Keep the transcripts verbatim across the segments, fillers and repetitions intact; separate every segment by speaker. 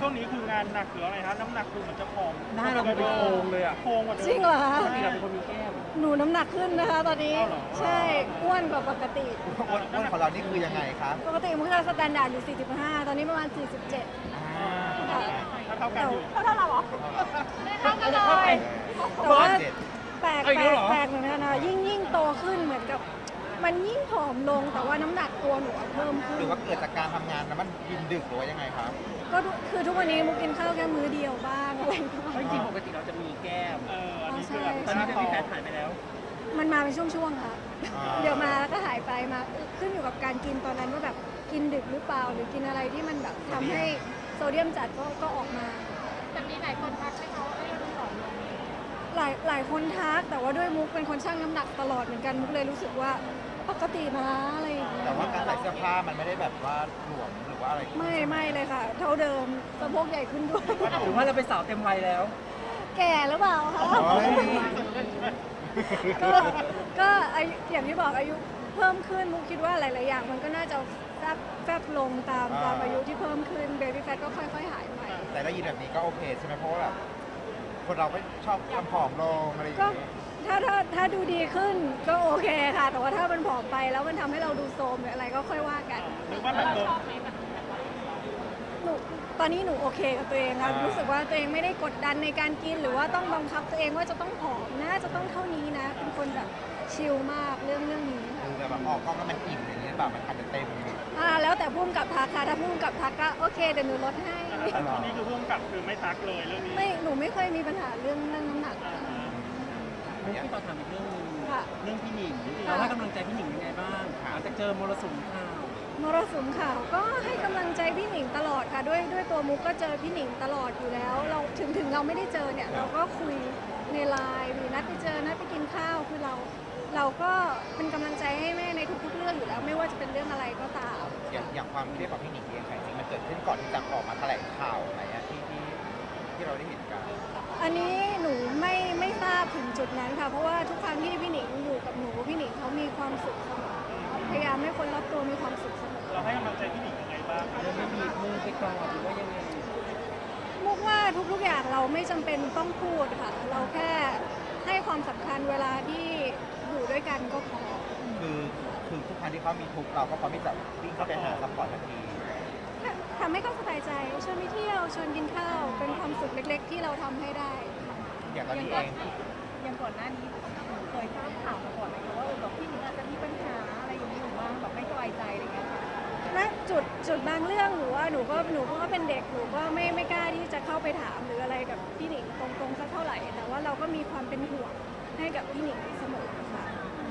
Speaker 1: ช่วงนี้คืองานหนักหรืออะไรครับน้ำหนักคือเหมือนจะผอม
Speaker 2: หน้าเราเป็นโครงเลยอ่ะ
Speaker 1: โค้งกว่าเดิม
Speaker 3: จริงเหรอคะ
Speaker 2: ปกติเราเป็นคนมีแก้ม
Speaker 3: หนูน้ำหนักขึ้นนะคะตอนนี้
Speaker 1: อ้าวเหรอ
Speaker 3: ใช่อ้วนกว่าปกติ
Speaker 4: อ้วนอ้วนของเรานี่คือยังไงครับ
Speaker 3: ปกติมุกจะสแตนดาร์ดอยู่ สี่สิบห้า ตอนนี้ประมาณ สี่สิบเจ็ด
Speaker 4: อ่า
Speaker 1: ถ้าเท่ากันอยู่
Speaker 3: เท่าเท่าเราเหรอ
Speaker 2: เท่ากันเลย
Speaker 3: แต่ว่า
Speaker 4: เจ็ด
Speaker 3: แปลก
Speaker 2: เอาอี
Speaker 3: แป
Speaker 2: ก
Speaker 3: ล
Speaker 2: แล้วเหรอ
Speaker 3: กแปลกเหมือนกันนะยิ่งยิ่งโตขึ้นเหมือนกับ มันยิ่งผอมลงแต่ว่าน้ำหนักตัวหนูอะเพิ่มขึ้
Speaker 4: ห
Speaker 3: น
Speaker 4: รือว่าเกิดจากการทำงานแล้วมันกินดึกหรือว่ายังไงครับ
Speaker 3: ก็ทุกคือทุกวันนี้มุกกินข้าวแค่มื้อเดียวบ้างอะไรบ้าง
Speaker 2: เพราะจริงๆปกติเราจะมีแก้ม
Speaker 1: เอออันนี้คือแบบ
Speaker 2: ตอนนี้จะมีแฟนหายไปแล้ว
Speaker 3: มันมาเป็นช่วงๆค่ะ
Speaker 4: อ่า
Speaker 3: เดี๋ยวมาแล้วก็หายไปมาขึ้นอยู่กับการกินตอนนั้นว่าแบบกินดึกหรือเปล่า หรือกินอะไรที่มันแบบทำให้โซเดียมจัดก็ก็ออกมา
Speaker 5: แต่มีหลายคนทักไหมคะว่าเอ้ยเราผอมลง
Speaker 3: หลายหลายคนทักแต่ว่าด้วยมุกเป็นคนชั่งน้ำหนักตลอดเหมือนกันมุกเลยรู้สึกว่าปกตินะอะไรอย่างเงี้ย
Speaker 4: แต่ว่าการใส่เสื้อผ้ามันไม่ได้แบบว่าหลวมหรือว่าอะไร
Speaker 3: ไม่ไม่เลยค่ะ เท่าเดิมสะโพกใหญ่ขึ้นด้วย
Speaker 2: หรือว่าเราเป็นสาวเต็มวัยแล้ว
Speaker 3: แก่หรือเปล่าคะ
Speaker 4: เฮ้ย
Speaker 3: ก็ก็อายุอย่างที่บอกอายุเพิ่มขึ้นมุกคิดว่าหลาย ๆ อย่างมันก็น่าจะแฟบแฟบลงตามตามอายุที่เพิ่มขึ้นเบบี้แฟทก็ค่อย ๆ หายไป
Speaker 4: แต่ได้ยินแบบนี้ก็โอเคใช่ไหมเพราะว่าแบบคนเราก็ชอบทำผอมลงอะไรอย่าง
Speaker 3: ก็
Speaker 4: เงี้ย
Speaker 3: ถ้าถ้าถ้าดูดีขึ้นก็โอเคค่ะ แต่ว่าถ้ามันผอมไปแล้วมันทำให้เราดูโทรมหรืออะไรก็ค่อยว่ากัน
Speaker 1: หรือว่าแบบโดน
Speaker 3: หนูตอนนี้หนูโอเคกับตัวเองค่ะรู้สึกว่าตัวเองไม่ได้กดดันในการกิน หรือว่าต้องบังคับตัวเองว่าจะต้องผอมนะจะต้องเท่านี้นะ เป็นคนแบบชิลมากเรื่องเรื่องนี้ค่ะ
Speaker 4: คือแบบออกกล้องแล้วมันอิ่มอย่างเงี้ยแบบมันอาจจะเต็ม
Speaker 3: อ่าแล้วแต่พุ่มกับทักค่ะถ้าพุ่มกับทักก็โอเคเดี๋ยวหนูลดให้
Speaker 1: อันนี้คือพุ่งกลับคือไม่ทักเลยเรื่องนี้
Speaker 3: ไม่หนูไม่เคยมีปัญหาเรื่องเรื่องน้ำหนักค่ะ
Speaker 2: มุกที่ต่อถามอีกเรื่องหนึง
Speaker 3: ค่ะ
Speaker 2: เรื่องพี่หนิง
Speaker 3: ค่ะ
Speaker 2: เราให้กำลังใจพี่หนิงยังไงบ้างหลังจากเจอมรสุมข่าว
Speaker 3: มรสุมข่าวก็ให้กำลังใจพี่หนิงตลอดค่ะ ด้วยด้วยตัวมุกก็เจอพี่หนิงตลอดอยู่แล้ว เราถึงถึงเราไม่ได้เจอเนี่ยเราก็คุยในไลน์หรือนัดไปเจอนัดไปกินข้าวคือเรา เราก็เป็นกำลังใจให้แม่ในทุกๆเรื่องอยู่แล้ว ไม่ว่าจะเป็นเรื่องอะไรก็ตาม
Speaker 4: อย่างอย่างความเครียดของพี่หนิงเองค่ะจริงๆมันเกิดขึ้นก่อนที่จะออกมาแถลงข่าวอะไรเงี้ยที่ที่ที่เราได้เห็นกัน
Speaker 3: อันนี้หนูไม่ไม่ทราบถึงจุดนั้นค่ะ เพราะว่าทุกครั้งที่พี่หนิงอยู่กับหนูพี่หนิงเขามีความสุขเสมอพยายามให้คนรอบตัวมีความสุขเสมอ
Speaker 1: เราให้กำลังใจพี่หนิงยังไงบ้าง
Speaker 2: เราไม่บีบมือไปกอดหรือว่ายังไง
Speaker 3: มุกว่าทุกๆอย่างเราไม่จำเป็นต้องพูดค่ะ เราแค่ให้ความสำคัญเวลาที่อยู่ด้วยกันก็พอ
Speaker 4: คือคือทุกครั้งที่เขามีทุกข์เราก็พร้อมที่จะวิ่งเข้าไปหาซัพพอร์ตทันที
Speaker 3: ทำให้เขาสบายใจชวนไปเที่ยวชวนกินข้าว เป็นความสุขเล็กๆ ที่เราทำให้ได้
Speaker 4: อย่างตอนนี้เอง
Speaker 5: อย่างก่อนหน้านี้หนูเคยทราบข่าวมาก่อนไหมคะว่าเออแบบพี่หนิงอาจจะมีปัญหาอะไรอย่างนี้อยู่บ้างแบบไม่สบายใจอะไรอย่างเงี้ยค่ะ
Speaker 3: ณจุดจุดบางเรื่องหนูว่าหนูก็หนูก็เป็นเด็กหนูก็ไม่ไม่กล้าที่จะเข้าไปถามหรืออะไรกับพี่หนิงตรงๆสักเท่าไหร่ แต่ว่าเราก็มีความเป็นห่วงให้กับพี่หนิงเสมอค่ะ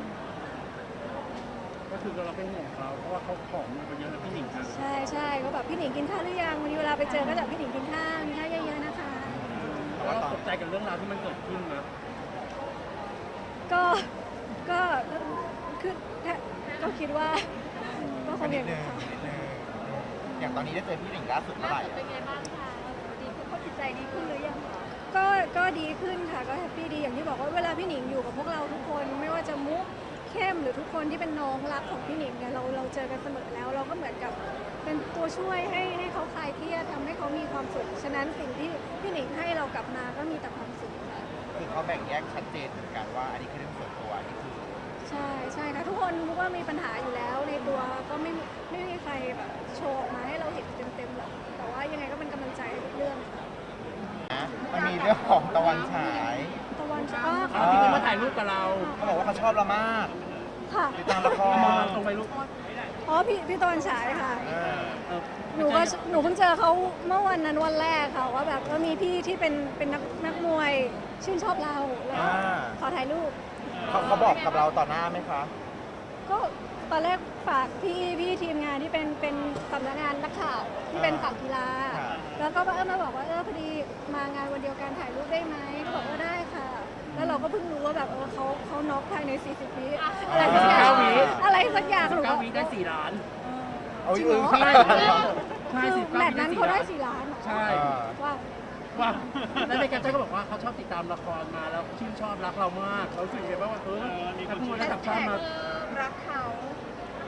Speaker 2: ก็คือเราเป็นห่วงเขาเพราะว่าเขาผอมลงไปเยอะแล้วพี่หนิงครับ
Speaker 3: ใช่ใช่ก็แบบพี่หนิงกินข้าวหรือยังวันนี้เวลาไปเจอก็จะพี่หนิงกินข้าวกินข้าวเยอะๆนะคะ
Speaker 2: แล้วเราตกใจกับเรื่องราวที่มันเกิดขึ้นนะ
Speaker 3: ก็ก็คือก็คิดว่าก็ค
Speaker 4: ก็
Speaker 3: ง
Speaker 4: นิ
Speaker 3: อ
Speaker 4: ด
Speaker 3: ย่าง
Speaker 4: นึ
Speaker 3: นี้
Speaker 4: ง
Speaker 3: ค่ะ
Speaker 4: นิดนึงอย่างตอนนี้ได้เจอพี่หนิงล่าสุดเมื่อไหร่
Speaker 5: เป็นไงบ้างคะดีขึ้นเขาจิตใจดีขึ้นหรือยังคะ
Speaker 3: ก็ก็ดีขึ้นค่ะก็แฮปปี้ดีอย่างที่บอกว่าเวลาพี่หนิงอยู่กับพวกเราทุกคนไม่ว่าจะมุกเข้มหรือทุกคนที่เป็นน้องรักของพี่หนิงเนี่ยเราเราเจอกันเสมอแล้ว เราก็เหมือนกับเป็นตัวช่วยให้ให้เขาคลายเครียดทำให้เขามีความสุขฉะนั้นสิ่งที่พี่หนิงให้เรากลับมาก็มีแต่ความสุขค่ะ
Speaker 4: คือเขาแบ่งแยกชัดเจนเหมือนกันว่าอันนี้คือเรื่องส่วนตัวอันนี้คือ
Speaker 3: ใช่ใช่ค่ะทุกคนมุกว่ามีปัญหาอยู่แล้วในตัวก็ไม่มีไม่มีใครแบบโชว์ออกมาให้เราเห็นเต็มๆหรอกแต่ว่ายังไงก็เป็นกำลังใจทุกเรื่องค่ะ
Speaker 4: นะมันมีเรื่องของตะวันฉาย
Speaker 3: ตะวันอ๋อ
Speaker 2: อ๋อ
Speaker 3: ค่ะ
Speaker 2: พี่หนิงมาถ่ายรูปกับเรา
Speaker 4: เขาบอกว่าเขาชอบเรามาก
Speaker 3: ค่ะ
Speaker 4: ติดตามละคร
Speaker 2: มองตรงไปลูก
Speaker 3: อ๋อพี่พี่ตะวันฉายค่ะ
Speaker 4: เออ
Speaker 2: เออ
Speaker 3: หนูก็หนูเพิ่งเจอเขาเมื่อวันนั้นวันแรกค่ะว่าแบบว่ามีพี่ที่เป็นเป็นนักนักมวยชื่นชอบเราแล้ว
Speaker 4: อ่า
Speaker 3: ขอถ่ายรูป
Speaker 4: เขาเขาบอกกับเราต่อหน้าไหมคะ
Speaker 3: ก็ตอนแรกฝากพี่พี่ทีมงานที่เป็นเป็นสำนักงานนักข่าวที่เป็นฝั่งกีฬา แล้วก็เออมาบอกว่าเออพอดีมางานวันเดียวกันถ่ายรูปได้ไหมก็บอกว่าได้ค่ะ แล้วเราก็เพิ่งรู้ว่าแบบเออเขาเขาน็อกภายในสี่สิบวิอะไรสักอย่าง
Speaker 2: เก้าวิ
Speaker 3: อะไรสักอย่างหนู
Speaker 2: เก้า
Speaker 3: ก็
Speaker 2: วิได้สี่ล้าน
Speaker 4: เอา
Speaker 3: จริ
Speaker 4: อี
Speaker 3: ง
Speaker 4: ก
Speaker 3: เหรอ
Speaker 2: ใช่ ใช่
Speaker 3: คือ
Speaker 2: สิบเก้า
Speaker 3: แม
Speaker 2: วิ
Speaker 3: ตช์นั้นเขาได้สี่ล้านเหรอ
Speaker 2: ใช่
Speaker 3: ว่า
Speaker 2: ว่าแล้วในแคปชั่นก็บอกว่าเขาชอบติดตามละครมาแล้วชื่นชอบรักเรามากเขารู้สึกยังไงบ้างว่าเออถ้าพูดระดับชาติมา
Speaker 5: รักเขา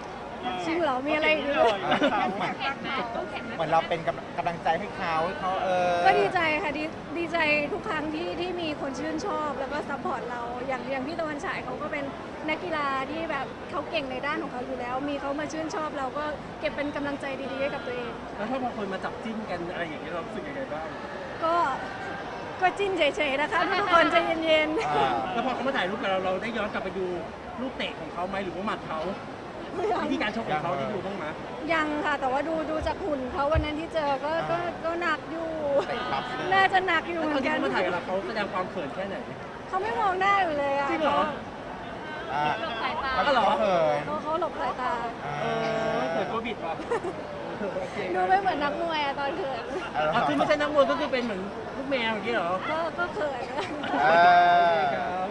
Speaker 3: จริงเหรอมีอะไรอีก
Speaker 1: เล
Speaker 3: ด้วย ย
Speaker 4: เหมือนเราเป็นกำลังกำลังใจให้เขาให้เขาเออ
Speaker 3: ก็ดีใจค่ะดีดีใจทุกครั้งที่ที่มีคนชื่นชอบแล้วก็ซัพพอร์ตเราอย่างอย่างพี่ตะวันฉายเขาก็เป็นนักกีฬาที่แบบเขาเก่งในด้านของเขาอยู่แล้ว มีเขามาชื่นชอบเราก็เก็บเป็นกำลังใจดีๆให้กับตัวเอง
Speaker 2: แล้วถ้าบางคนมาจับจิ้นกันอะไรอย่างเงี้ยเรารู้สึกยังไงบ้าง
Speaker 3: ก็ก็จิ้นเฉยๆนะคะทุกคนใจเย็น
Speaker 4: อ่า
Speaker 2: แล้วพอเขามาถ่ายรูปกับเราเราได้ย้อนกลับไปดูลูกเตะของเขาไหมหรือว่าหมัดเขา
Speaker 3: ๆ
Speaker 2: วิธีการชกของเขาได้ดูบ้างไหม
Speaker 3: ยังค่ะแต่ว่าดูดูจากหุ่นเขาวันนั้นที่เจอก็ก็ก็หนักอยู่
Speaker 4: เตะปั๊บเลย
Speaker 3: น่าจะหนักอยู่
Speaker 2: แล้ว
Speaker 3: เห
Speaker 2: ต
Speaker 3: มื
Speaker 2: อน
Speaker 3: อน
Speaker 2: ที่
Speaker 3: กัน
Speaker 2: เขามาถ่ายกับเราเขาแสดงความเขินแค่ไหน
Speaker 3: เขาไม่มองหน้าอยู่เลยอะ
Speaker 2: จริงเหรอ
Speaker 4: อ่า
Speaker 3: สายตา
Speaker 4: เขาเหรอเคย
Speaker 3: เขาเขาหลบสายตา
Speaker 2: เออเขินตัวบิดว่ะ
Speaker 3: ดูไม่เหมือนนักมวยอะตอนเขิน
Speaker 4: เออ
Speaker 2: อ่ะคือไม่ใช่นักมวยก็คือเป็นเหมือนลูกแมวอย่างเงี้ยเหรอ
Speaker 3: ก็ก็เขิน
Speaker 4: เออ